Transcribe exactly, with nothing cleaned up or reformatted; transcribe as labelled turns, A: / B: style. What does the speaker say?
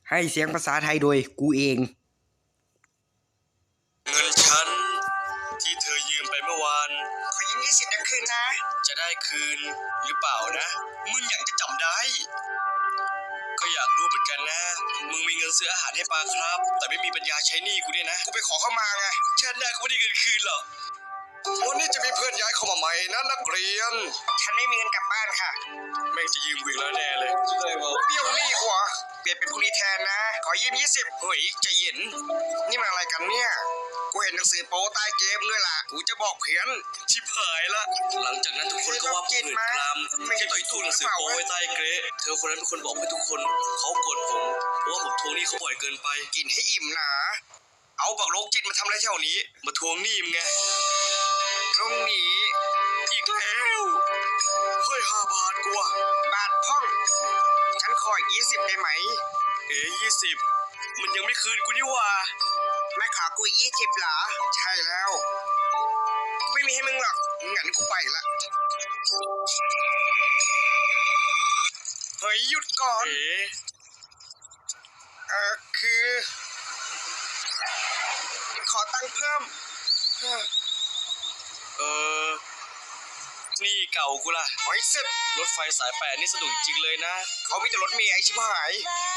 A: ให้เสียงภาษาไทยโดยกูเอง
B: เงินฉันที่เธอยืมไปเมื่อวาน
A: ขอยืมยี่สิบนะคืนนะ
B: จะได้คืนหรือเปล่านะมึงอยากจะจำได้ก็อยากรู้เหมือนกันนะมึงมีเงินซื้ออาหารให้ปลาครับแต่ไม่มีปัญญาใช้หนี้กูเนี่ยนะ
A: กูไปขอเข้ามาไง
B: ฉันได้กูไม่ได้เงินคืนหรอกวันนี้จะมีเพื่อนย้ายเข้ามาใหม่นะนักเรียน
A: ฉันไม่มีเงินกลับบ้านค่ะ
B: แม่งจะยืมกูอีกแล้วแน่เลย
A: เบี้ยวหนี้กว่าเปลี่ยนเป็นพรุ่งนี้แทนนะขอยืมยี่สิบ
B: เฮ้ยใจเย็น
A: นี่มันอะไรกันเนี่ยกูเห็นหนังสือโป๊ใต้เกมด้วยล่ะกูจะบอกเพี้ยน
B: ชิบหายละหลังจากนั้นทุกคนก็ว่าผมหื่นกรามที่ต่อยตู้หนังสือโป๊ไว้ใต้เกรดเธอคนนั้นเป็นคนบอกให้ทุกคนเขาโกรธผมเพราะว่าผมทวงหนี้เขาบ่อยเกินไป
A: กินให้อิ่มนะเอาบักโรคจิตมาทำอะไรแถวนี้
B: มาทวงหนี้มึงไง
A: ตรงนี้
B: อีกแล้วเฮ้ยห้าบาทกูอะ
A: บาทพ่องฉันขอยี่สิบได้ไหม
B: เอ๋ยี่สิบมันยังไม่คืนกูนี่ว่า
A: แม่ขากูยี่สิบเหรอใช่แล้วไม่มีให้มึงหรอกงั้นกูไปละเฮ้ยหยุดก่อน
B: เอ๋
A: เออคือขอตังค์เพิ่ม
B: เออนี่เก่ากูล่ะ
A: หอยเสร็จ
B: รถไฟสายแปดนี่สนุกจริงเลยนะ
A: เขามีแต่รถเมล์ไอชิบหาย